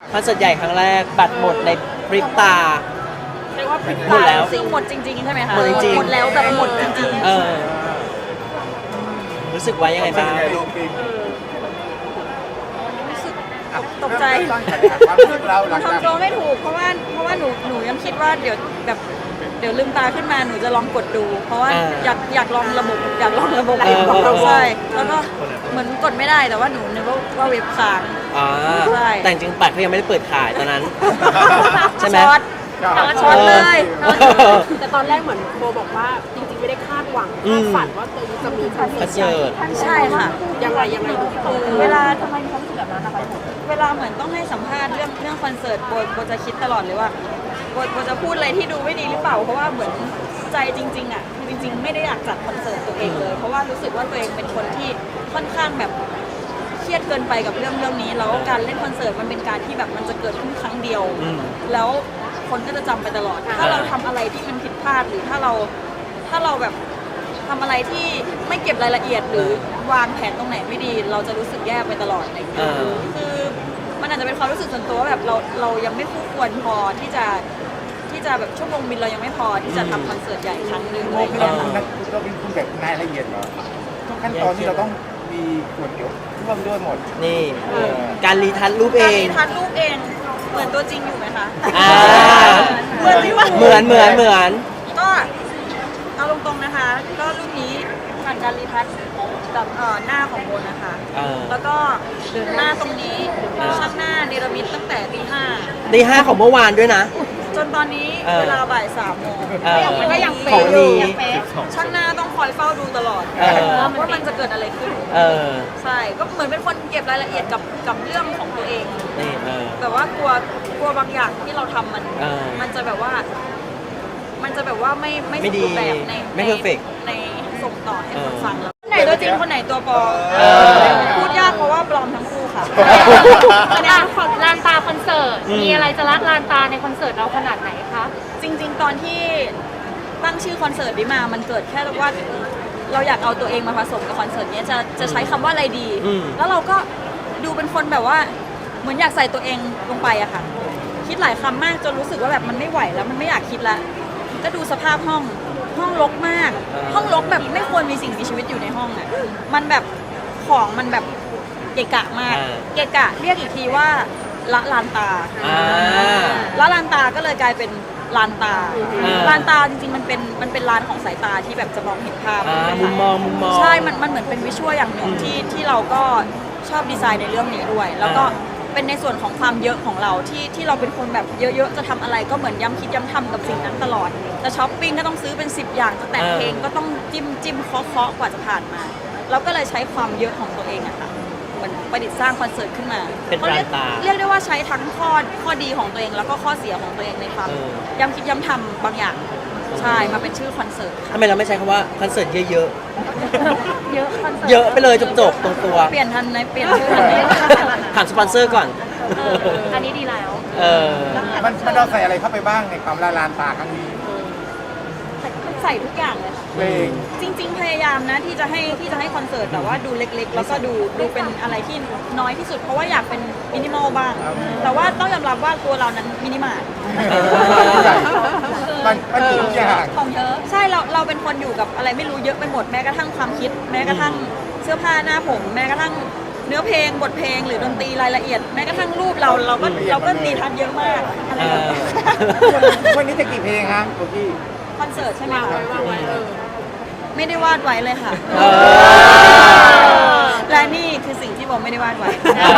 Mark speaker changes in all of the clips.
Speaker 1: คอนเสิร์ตใหญ่ครั้งแรกบัตรหมดในพริบตา
Speaker 2: เรียกว่าพริบ
Speaker 1: หมด
Speaker 2: ตา
Speaker 1: แล้ว
Speaker 2: คือหมดจริงๆใช่ไหมคะ
Speaker 1: หมดจริงๆ
Speaker 2: หมดแล้วแบบหมดจริง
Speaker 1: เออรู้สึกว่ายังไงบ้าง
Speaker 2: ตกใจ
Speaker 3: ความรู้สึกเราหลังจาก
Speaker 2: ทำตัวไม่ถูกเพราะว่าหนูยังคิดว่าเดี๋ยวลืมตาขึ้นมาหนูจะลองกดดู เพราะว่าอยากลองระบบใช่แล้วก็เหมือนกดไม่ได้แต่ว่าหนูนึกว่าเว็บค้าง
Speaker 1: อ่า
Speaker 2: ใช่
Speaker 1: แต่จริงๆบัตรเขายังไม่ได้เปิดขายตอนนั้น ใช่ไหม
Speaker 2: ช็อต ช็อตเลย
Speaker 4: แต่ตอนแรกเหมือนโบบอกว่าจริงๆไม่ได้คาดหวังคาดฝันว่าตัวเองจะมีคอน
Speaker 1: คอน
Speaker 4: เสิ
Speaker 1: เสิ
Speaker 4: ร์
Speaker 1: ร์
Speaker 4: ต
Speaker 1: ต
Speaker 2: ใช่ค่ะ
Speaker 4: ยังไงดู
Speaker 2: เวลาทำไมมีความรู้สึกแบบนั้นนะคะเวลาเหมือนต้องให้สัมภาษณ์เรื่องคอนเสิร์ตโบจะคิดตลอดเลยว่าโบจะพูดอะไรที่ดูไม่ดีหรือเปล่าเพราะว่าเหมือนใจจริงๆอ่ะจริงๆไม่ได้อยากจัดคอนเสิร์ตตัวเองเลยเพราะว่ารู้สึกว่าตัวเองเป็นคนที่ค่อนข้างแบบเครียดเกินไปกับเรื่องนี้แล้วการเล่นคอนเสิร์ตมันเป็นการที่แบบมันจะเกิดขึ้นครั้งเดียว แล้วคนก็จะจำไปตลอด ถ้าเราทำอะไรที่มันผิดพลาดหรือถ้าเราแบบทำอะไรที่ไม่เก็บรายละเอียดหรือวางแผนตรงไหนไม่ดี เราจะรู้สึกแย่ไปตลอดอะไรอย่างเงี้ยคือมันอาจจะเป็นความรู้สึกส่วนตัวว่าแบบเรายังไม่คู่ควรพอที่จะแบบชั่วโมงบินเรายังไม่พอที่จะทำคอนเสิร์ตใหญ่ครั้งหนึ่ง
Speaker 3: โม
Speaker 2: อะไรอย่าง
Speaker 3: คือ
Speaker 2: เงี้ย
Speaker 3: เราเป็นคุณแบบรายละเอียดเหรอทุกขั้นตอนที่เราต้องมีส่วนเกี่ยวร่วมด้วยหมด
Speaker 1: นี่การรีทัชรูปเอ
Speaker 2: การ
Speaker 1: ง
Speaker 2: รีทัชรูปเองเหมือนตัวจริงอยู่ไหมคะ
Speaker 1: อ่า
Speaker 2: เหมือนจริงปะ
Speaker 1: เหมือน
Speaker 2: ก็เอาตรงๆนะคะ ก็รูปนี้ผ่านการรีทัชกับหน้าของโบนะคะ แล้วก็หน้าตรงนี้ช่างหน้าเนรมิตตั้งแต่ตี
Speaker 1: ตีห้าของเมื่อวานด้วยนะ
Speaker 2: 5จนตอนนี้เวลาบ่าย3 โมง
Speaker 1: ก็
Speaker 2: ยัง
Speaker 1: ข
Speaker 2: เป๊ะ
Speaker 1: อง
Speaker 2: อยู่
Speaker 1: นี้
Speaker 2: ช่างหน้าต้องคอยเฝ้าดูตลอด ว่ามันจะเกิดอะไรขึ้น ใช่ก็เหมือนเป็นคนเก็บรายละเอียดกับเรื่องของตัวเอง
Speaker 1: นี่
Speaker 2: แบบว่ากลัวบางอย่างที่เราทำมันจะแบบว่าไม่สมบูรณ์แบบ
Speaker 1: ไม่ perfect
Speaker 2: ในส่งต่อให้คนฟังแล้วคนไหนตัวจริงคนไหนตัวปลอมพูดยากเพราะว่าปลอมทั้งคู่ค่ะ
Speaker 5: ลานตาคอนเสิร์ตมีอะไรจะรัดลานตาในคอนเสิร์ตเราขนาดไหนคะ
Speaker 2: จริงๆ ตอนที่ตั้งชื่อคอนเสิร์ตนี้มามันเกิดแค่ว่าเราอยากเอาตัวเองมาผสมกับคอนเสิร์ตนี้จะใช้คำว่าอะไรดี แล้วเราก็ดูเป็นคนแบบว่าเหมือนอยากใส่ตัวเองลงไปอะค่ะคิดหลายคำมากจนรู้สึกว่าแบบมันไม่ไหวแล้วมันไม่อยากคิดละก็ดูสภาพห้องรกมาก ห้องรกแบบไม่ควรมีสิ่งมีชีวิตอยู่ในห้องอะมันแบบของมันแบบเกะกะมากเกะกะเรียกอีกทีว่าละลานตาละลานตาก็เลยกลายเป็นลานตาลานตาจริงๆมันเป็นลานของสายตาที่แบบจะมองเห็นภาพ
Speaker 1: มุมมอง
Speaker 2: ใช่มันเหมือนเป็นวิชวลอย่างหนึ่งที่เราก็ชอบดีไซน์ในเรื่องนี้ด้วย แล้วก็เป็นในส่วนของความเยอะของเราที่เราเป็นคนแบบเยอะๆจะทำอะไรก็เหมือนย้ำคิดย้ำทำกับสิ่งนั้นตลอดจะช้อปปิ้งก็ต้องซื้อเป็น10 อย่างจะแต่งเพลงก็ต้องจิ้มเคาะกว่าจะผ่านมาเราก็เลยใช้ความเยอะของตัวเองอะค่ะเหมือนประดิษฐ์สร้างคอนเสิร์ตขึ้นมา
Speaker 1: เป็นลานตา
Speaker 2: เรียกได้ว่าใช้ทั้งข้อดีของตัวเองแล้วก็ข้อเสียของตัวเองในความย้ำคิดย้ำทำบางอย่างใช่มาเป็นชื่อคอนเสิร์ต
Speaker 1: ทำไมเราไม่ใช้คำว่าคอนเสิร์ตเยอะ
Speaker 5: เยอะคอนเสิร์ต
Speaker 1: เยอะไปเลยจบตรงตัว
Speaker 2: เปลี่ยนทันไหมเปลี่ยนชื่อทันไหม
Speaker 1: ถามสปอนเซอร์ก่อน
Speaker 5: อันนี้ดีแล้ว
Speaker 3: มันเราใส่อะไรเข้าไปบ้างในความละลานตาครั้งนี้
Speaker 2: ใส่ทุกอย่างเลยค่ะ
Speaker 3: เพลง
Speaker 2: จริงๆพยายามนะที่จะให้คอนเสิร์ตแต่ว่าดูเล็กๆ แล้วก็ดูเป็นอะไรที่น้อยที่สุดเพราะว่าอยากเป็นมินิมอลบ้าง แต่ว่าต้องยอมรับว่าตัวเรานั้นมินิมาร์ท
Speaker 3: มันมีทุกอย่าง
Speaker 2: ของเยอะใช่เราเป็นคนอยู่กับอะไรไม่รู้เยอะไปหมดแม้กระทั่งความคิด แม้กระทั่งเสื้อผ้าหน้าผม แม้กระทั่งเนื้อเพลงบทเพลงหรือดนตรีรายละเอียด แม้กระทั่งรูปเราก็ตีทันเยอะมากอะไรแบบนี้
Speaker 3: วันนี้จะกี่เพลงฮะโอกี้
Speaker 2: คอนเสิร์ตใช่ไหมคะไม่ได้วาดไว้เลยค่ะ และนี่คือสิ่งที่ผมไม่ได้วาดไว้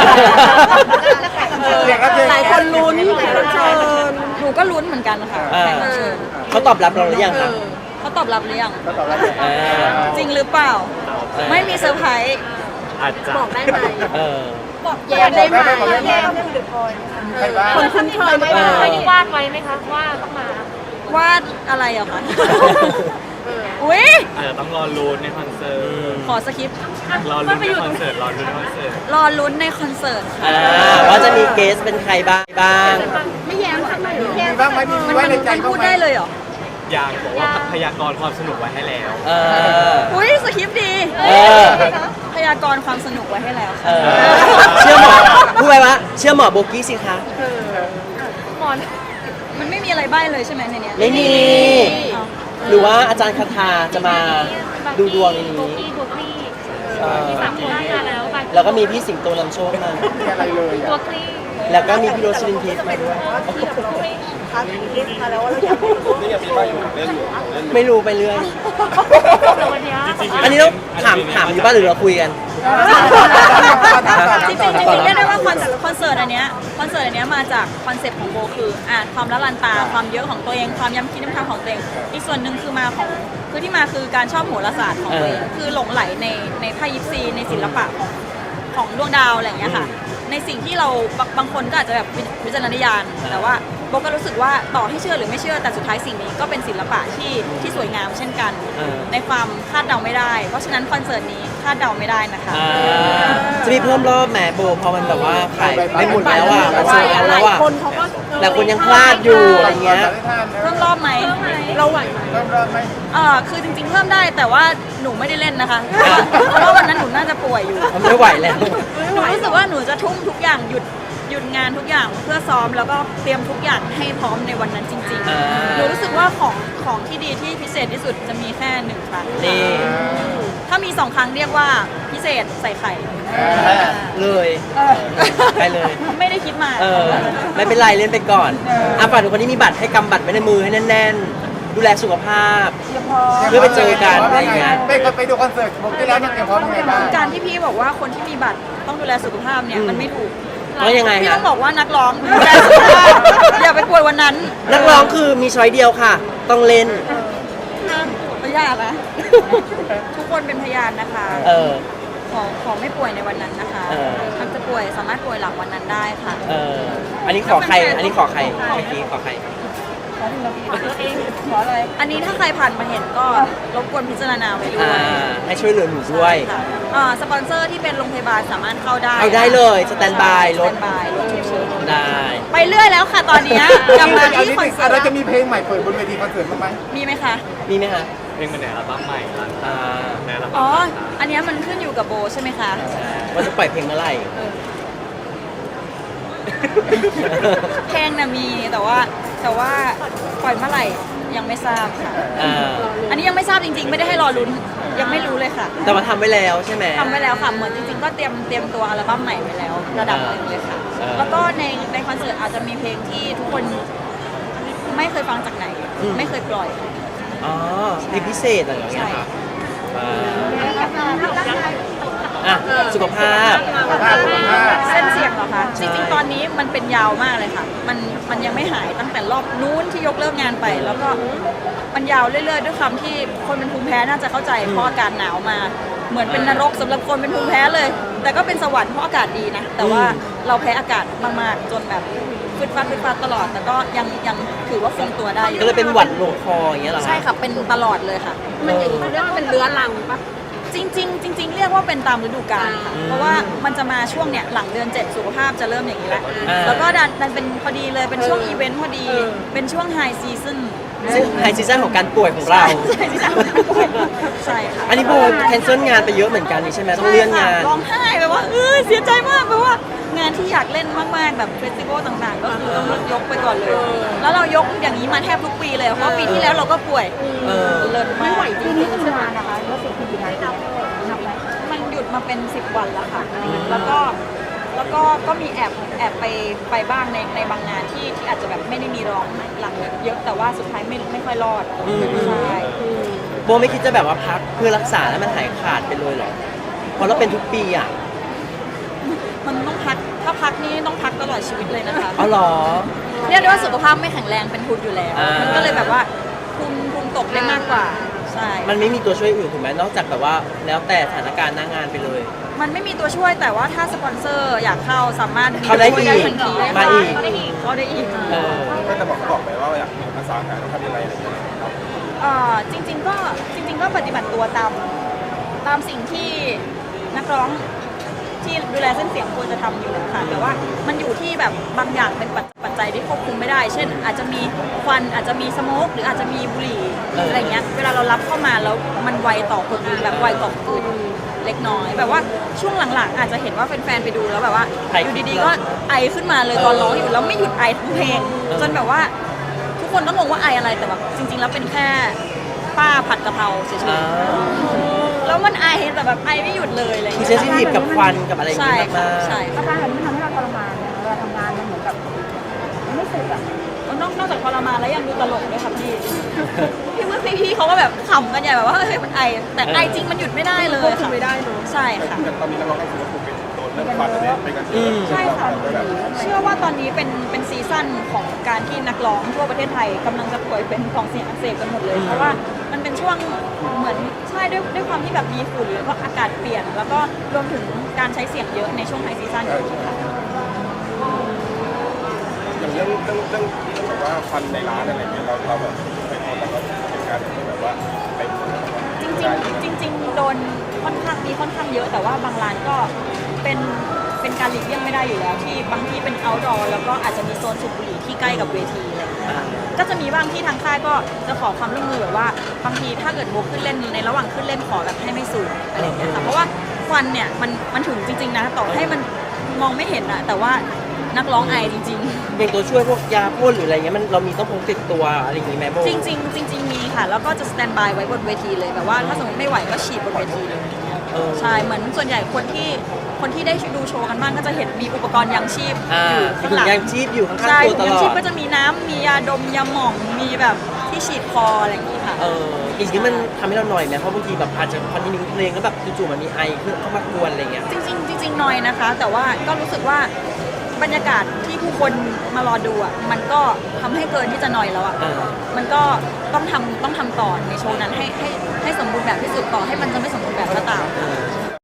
Speaker 4: หลายคนลุ้น
Speaker 2: หนูก็ลุ้นเหมือนกันค่ะแขกรับเชิญ
Speaker 1: เขาตอบรับเราหรือยังครับ
Speaker 2: เขาตอบรับหรือยัง
Speaker 3: ก็ตอบรับ
Speaker 2: จริงหรือเปล่า ไม่มีเซอร์ไพรส์
Speaker 1: อาจจะ
Speaker 4: บอกได้ไหม
Speaker 2: บอก
Speaker 4: แยกได้ไหม
Speaker 3: แยกใครบ้าง
Speaker 4: คนคุ้นเคยไหม
Speaker 5: เคยได้วาดไว้ไหมคะว่าต้องมาว
Speaker 2: าดอะไรเหรอคะอุ้ย
Speaker 6: อาจจะต้องรอลุ้นในคอนเสิร์ต
Speaker 2: ขอสคริปต์
Speaker 6: รอลุ้นในคอนเสิร์ต รอลุ้นในคอนเสิร์ต
Speaker 2: รอลุ้นในคอนเสิร์ตค่ะ
Speaker 1: ว่าจะมีเกสเป็นใครบ้าง
Speaker 4: ไม่แย้มสักหน่อย
Speaker 3: มีบ้างไหมมีไว้ในใจ
Speaker 2: มัน
Speaker 3: บ้าง
Speaker 2: พูด
Speaker 3: ไหม
Speaker 2: ได้เลยเหรอ
Speaker 6: ยังบอกว่าพยากรณ์ความสนุกไว้ให้แล้ว
Speaker 2: อุ้ยสคริปต์ดี
Speaker 1: เออ
Speaker 2: พยากรณ์ความสนุกไว้ให้แล้ว
Speaker 1: เออเชื่อหมอพูดไปว่าเชื่อหมอโบกี้สิคะ
Speaker 5: หมอน
Speaker 2: มันไม่มีอะไรใบ้เลยใช่ไหมในเนี้ย
Speaker 1: ไม่มี
Speaker 2: เอา
Speaker 1: หรือว่าอาจารย์คาทาจะมาดูดวงในนี้
Speaker 5: โบกี้โบกี้
Speaker 1: เออ
Speaker 5: มี3 คนมาแล้ว
Speaker 1: แล้วก็มีพี่สิงโตนำโชคมา
Speaker 3: ไม่มีอะไรเลย
Speaker 5: ตัว
Speaker 3: อ่ะ
Speaker 5: คลี่
Speaker 1: แล้วก็มีพี่โรสลินทิพย์มาด้วย ไม่รู้ไปเรื่อย
Speaker 5: แต่วันเนี้ย
Speaker 1: อันนี้ต้องถามอยู่บ้านหรือเราคุยกัน
Speaker 2: จริงๆเรียกได้ว่าคอนเสิร์ตอันเนี้ยมาจากคอนเซ็ปต์ของโบคือความละลันตาความเยอะของตัวเองความย้ำคิดย้ำทำของตัวเองอีกส่วนหนึ่งคือที่มาคือการชอบโหราศาสตร์ของตัวเองคือหลงไหลในไพ่ยิปซีในศิลปะของดวงดาวอะไรอย่างเงี้ยค่ะในสิ่งที่เราบางคนก็อาจจะแบบวิจารณญาณแต่ว่าโบก็รู้สึกว่าต่อให้เชื่อหรือไม่เชื่อแต่สุดท้ายสิ่งนี้ก็เป็นศิลปะที่สวยงามเช่นกัน ในความคาดเดาไม่ได้ เพราะฉะนั้นคอนเสิร์ตนี้คาดเดาไม่ได้นะคะ
Speaker 1: จะมีเพิ่มรอบแหมโบพอมันแบบว่าขายไม่หมดแล้วอ่ะมันโซลเอาท์
Speaker 4: ห
Speaker 1: แล้
Speaker 4: ลายว
Speaker 1: อ่ะ
Speaker 4: คนเขาก็
Speaker 1: แต่คนยังพลาดอยู่อะไรเงี้ย
Speaker 2: เพิ่มรอบไหม
Speaker 4: เราไหวไหม
Speaker 3: เริ่มไหม
Speaker 2: คือจริงๆเพิ่มได้แต่ว่าหนูไม่ได้เล่นนะคะ เพราะว่าวันนั้นหนูน่าจะป่วยอยู่
Speaker 1: มันไม่ไหวแล้ว
Speaker 2: หนูรู้สึกว่าหนูจะทุ่มทุกอย่างหยุดงานทุกอย่างเพื่อซ้อมแล้วก็เตรียมทุกอย่างให้พร้อมในวันนั้นจริง
Speaker 1: อ่า
Speaker 2: ๆ หนูรู้สึกว่าของที่ดีที่พิเศษที่สุดจะมีแค่1 ครั้ง
Speaker 1: นี่
Speaker 2: ถ้ามี2 ครั้งเรียกว่าพิเศษใส่ไข่
Speaker 1: เลยไปเลย
Speaker 2: ไม่ได้คิดมา
Speaker 1: ไม่เป็นไรเล่นไปก่อนฝากทุกคนที่มีบัตรให้กำบัตรไว้ในมือให้แน่นๆ ดูแลสุขภาพ เพื่อไปเจอกันอะไรอย่างเงี้ย
Speaker 3: ไปดูคอนเสิร์ตผมที่แล้วเนี่ยเตรียมพร้อมยังไงบ้าง
Speaker 2: การที่พี่บอกว่าคนที่มีบัตรต้องดูแลสุขภาพเนี่ยมันไม่ถูก
Speaker 1: แล้วยังไง
Speaker 2: พี่
Speaker 1: ฮะ
Speaker 2: ต้องบอกว่านักร้องดูแลสุขภาพอย่าไปป่วยวันนั้น
Speaker 1: นักร้องคือมีช้อยเดียวค่ะ ต้องเล่น
Speaker 2: พยานนะ ทุกคนเป็นพยานนะคะ ขอไม่ป่วยในวันนั้นนะคะ มันจะป่วยสามารถป่วยหลังวันนั้นได้ค่ะ
Speaker 1: อันนี้ขอใคร อันนี้ขอใครเมื่อกี้ขอใคร
Speaker 2: ขออะไร อันนี้ถ้าใครผ่านมาเห็นก็รบกวนพิจารณาไว้ด้วย
Speaker 1: ให้ช่วยเหลือหนูด้วย
Speaker 2: ค่ะสปอนเซอร์ที่เป็นโรงพยาบาลสามารถเข้าได้
Speaker 1: เอาได้เลยสแตนบายรถ
Speaker 2: สแตนบายรถฉุกเฉิน
Speaker 1: ได้
Speaker 2: ไปเรื่อยแล้วค่ะตอนเนี้ยกลับมาที่คอนเสิร์ต
Speaker 3: เราจะมีเพลงใหม่เปิดบนเวทีคอนเสิร์ตบ้างไหม
Speaker 2: มีไหมคะ
Speaker 1: มีไหมคะ
Speaker 6: เพลงมันในอัลบั้มใหม่ร้านในอัลบั้
Speaker 2: อ๋อ
Speaker 6: ม
Speaker 2: อันเนี้ยมันขึ้นอยู่กับโบใช่ไหมคะ
Speaker 1: ว่าจะปล่อยเพลงเมื่อไหร่
Speaker 2: เพลงน่ะมีแต่ว่าปล่อยเมื่อไหร่ยังไม่ทราบค่ะ อันนี้ยังไม่ทราบจริงๆ ไม่ได้ให้รอลุ้นยังไม่รู้เลยค่ะ
Speaker 1: แต่ว่าทำไว้แล้วใช่ไหม
Speaker 2: ทำไว้แล้วค่ะเหมือนจริงๆ ก็เตรียมตัวอัลบั้มใหม่ไว้แล้ว ระดับหนึ่งเลยค่ะ แล้วก็ในคอนเสิร์ตอาจจะมีเพลงที่ทุกคนไม่เคยฟังจากไหน ไม่เคยปล่อย
Speaker 1: อ๋อเพลงพิเศษอะไรอย่างเงี้ย
Speaker 2: ใช่
Speaker 1: ครับสุขภาพ
Speaker 2: เส้นเสียงเหรอคะจริงๆ ตอนนี้มันเป็นยาวมากเลยค่ะ มันยังไม่หายตั้งแต่รอบนู้นที่ยกเลิกงานไป แล้วก็มันยาวเรื่อยๆ ด้วยความที่คนเป็นภูมิแพ้น่าจะเข้าใจเพราะอากาศหนาวมา เหมือนเป็นนรกสำหรับคนเป็นภูมิแพ้เลย แต่ก็เป็นสวรรค์เพราะอากาศดีนะ แต่ว่าเราแพ้อากาศมากๆ จนแบบฟึดฟัดตลอด แต่ก็ยังถือว่าคงตัวได้อยู่
Speaker 1: ก็เลยเป็นหวัดลงคออย่างเงี้ยเหรอ
Speaker 2: ใช่ค่ะเป็นตลอดเลยค่ะ
Speaker 4: มันอย่างนี้เรียกว่าเป็นเรื้อรังปะ
Speaker 2: จริงๆเรียกว่าเป็นตามฤดูกาลค่ะเพราะว่ามันจะมาช่วงเนี่ยหลังเดือน 7 สุขภาพจะเริ่มอย่างนี้แหละแล้วก็ดันเป็นพอดีเลยเป็นช่วงอีเวนต์พอดีเป็นช่วงไฮซีซั่น
Speaker 1: ซึ่งไฮซีซั่นของการป่วยของเรา
Speaker 2: ใช่ที่ทำให้ป่วยใช่ค่ะ
Speaker 1: อันนี้โบแคนเซิลงานไปเยอะเหมือนกันนี่ใช่ไหมต้องเลื่อนงาน
Speaker 2: ร้องไห้แบบว่าเสียใจมากแบบว่างานที่อยากเล่นมากๆแบบเฟสติวัลต่างๆ ก็คือต้องยกไปก่อนเลย แล้วเรายกอย่างนี้มาแทบทุกปีเลยเพราะปีที่แล้วเราก็ป่วยเลิศมาก
Speaker 4: ไม่ไหวจริงๆใช่ไหม
Speaker 2: มันหยุดมาเป็น10 วันแล้วค่ะ แล้วก็มีแอบไปบ้างในบางงานที่อาจจะแบบไม่ได้มีร้องหลังเยอะแต่ว่าสุดท้ายไม่ค่อยรอดใช่
Speaker 1: โบไม่คิดจะแบบว่าพักเพื่อรักษาแล้วมันหายขาดไปเลยเหรอเพราะเราเป็นทุกปีอ่ะ
Speaker 2: มันต้องพักถ้าพักนี่ต้องพักตลอดชีวิตเลยนะคะ
Speaker 1: อ๋อเหรอ
Speaker 2: เรียกได้ว่าสุขภาพไม่แข็งแรงเป็นทุนอยู่แล้ว มันก็เลยแบบว่าภูมิตกได้มากกว่าใช่
Speaker 1: มันไม่มีตัวช่วยอื่นถูกไหมนอกจากแบบว่าแล้วแต่สถานการณ์หน้างานไปเลย
Speaker 2: มันไม่มีตัวช่วยแต่ว่าถ้าสปอนเซอร์อยากเข้าสามารถ
Speaker 1: เข้าได้อีก
Speaker 2: ช่วยทันที
Speaker 1: มาอีก
Speaker 2: เข้าได้อีก
Speaker 3: ก็จะบอกไปว่าอยากภาษาการทำยังไงอะไรอย่างเงี้ย
Speaker 2: จริงๆก็ปฏิบัติตัวตามสิ่งที่นักร้องที่ดูแลเส้นเสียงควรจะทำอยู่ค่ะแต่ว่ามันอยู่ที่แบบบางอย่างเป็นปัจปัจจัยที่ควบคุมไม่ได้ เช่น อาจจะมีควันอาจจะมีสโมกหรืออาจจะมีบุหรี่อะไรเงี้ยเวลาเรารับเข้ามาแล้วมันไวต่อคนอื่นแบบไวต่อคนอื่นเล็กน้อยแบบว่าช่วงหลังๆอาจจะเห็นว่าแฟนๆไปดูแล้วแบบว่าอยู่ดีๆก็ไอขึ้นมาเลยตอนร้องอยู่แล้วไม่หยุดไอทั้งเพลงจนแบบว่าทุกคนก็งงว่าไออะไรแต่แบบจริงๆแล้วเป็นแค่ป้าผัดกะเพราเฉยๆแล้วมันไอแต่แบบไอไม่หยุดเลยอะไร
Speaker 1: คือ
Speaker 2: เงี้
Speaker 1: เซน
Speaker 2: ย
Speaker 1: ซิทีฟกับควันกับอะไรอย่าง
Speaker 2: ใช่
Speaker 1: เงี้ย
Speaker 2: ค่ะ
Speaker 1: มาก
Speaker 2: ใช่
Speaker 7: อาการแบบนี้ทำให้เราทรมานเนี่ยเวลาทำงานมันเหมือนกับมันไม่สุดอ่ะ
Speaker 2: นอกจากทรมานแล้วยังดูตลกด้วยค่ะพี่พี่เขาก็แบบขำกันใหญ่แบบว่าเฮ้ยมันไอแต่ไอจริงมันหยุดไม่ได้เลย
Speaker 4: ควบคุม
Speaker 2: ค่ะ
Speaker 4: ไม่ได้เนอะ
Speaker 2: ใช่ค่ะ
Speaker 3: แต่ตอนนี้นักร้องก็ถือว่าถูกเป็นโดนเรื่องฟันเนี่ยไปกันเยอะ
Speaker 2: ใช่ค่ะ
Speaker 3: แบบ
Speaker 2: เชื่อว่าตอนนี้เป็นซีซั่นของการที่นักร้องทั่วประเทศไทยกำลังจะป่วยเป็นกล่องเสียงอักเสบกันหมดเลย เพราะว่ามันเป็นช่วงเหมือนใช่ด้วยความที่แบบมีฝุ่นแล้วก็อากาศเปลี่ยน แล้วก็รวมถึงการใช้เสียงเยอะในช่วงไฮซีซั่นอยู่ค่ะ
Speaker 3: อย่างเรื่องแบบว่าฟันในร้านอะไรเงี้ยเราแบบไปโดนแล้วก็เหตุการณ์แบบว่าไป
Speaker 2: จริงๆโดนค่อนข้างเยอะแต่ว่าบางร้านก็เป็นการหลีกเลี่ยงไม่ได้อยู่แล้วที่บางที่เป็น outdoor แล้วก็อาจจะมีโซนสูบบุหรี่ที่ใกล้กับเวทีอะไรอย่างเงี้ยค่ะก็จะมีบางที่ทางค่ายก็จะขอความร่วมมือแบบว่าบางทีถ้าเกิดโบขึ้นเล่นในระหว่างขึ้นเล่นขอแบบให้ไม่สูบอะไรอย่างเงี้ยค่ะเพราะว่าควันเนี่ยมันถึงจริงๆนะต่อให้มันมองไม่เห็นอะแต่ว่านักร้องไอจริงๆ
Speaker 1: เป็นตัวช่วยพวกยาพ่นหรืออะไรเงี้ยมันเรามีต้องพกติดตัวอะไรอย่างงี้ไหมโบ
Speaker 2: จริงๆมีค่ะ แล้วก็จะสแตนบายไว้บนเวทีเลยแบบว่าถ้าสมมติไม่ไหวก็ฉีดบนเวทีเลย ใช่เหมือนส่วนใหญ่คนที่ได้ดูโชว์กันบ้างก็จะเห็นมีอุปกรณ์ยังชีพอยู่ข้างหลัง
Speaker 1: ยังชีพอยู่ข้าง
Speaker 2: ใช่
Speaker 1: ๆตัวต
Speaker 2: ยัง
Speaker 1: ลอ
Speaker 2: ชีพ
Speaker 1: ด
Speaker 2: ก็จะมีน้ำมียาดมยาหม่องมีแบบที่ฉีดคออะไรอย่างนี้ค่ะ
Speaker 1: อีกนี้มันทำให้เราหน่อยไหมเพราะบางทีแบบอาจจะคอนติเนียเพลงแล้วแบบจู่ๆมันมีไอขึ้นเข้ามากวนอะไรเงี้ย
Speaker 2: จริงๆน้อยนะคะ แต่ว่าก็รู้สึกว่าบรรยากาศที่ผู้คนมารอดูอ่ะมันก็ทำให้เกินที่จะนอยแล้วอ่ะมันก็ต้องทำต่อในโชว์นั้นให้สมบูรณ์แบบที่สุดต่อให้มันจะไม่สมบูรณ์แบบก็ตาม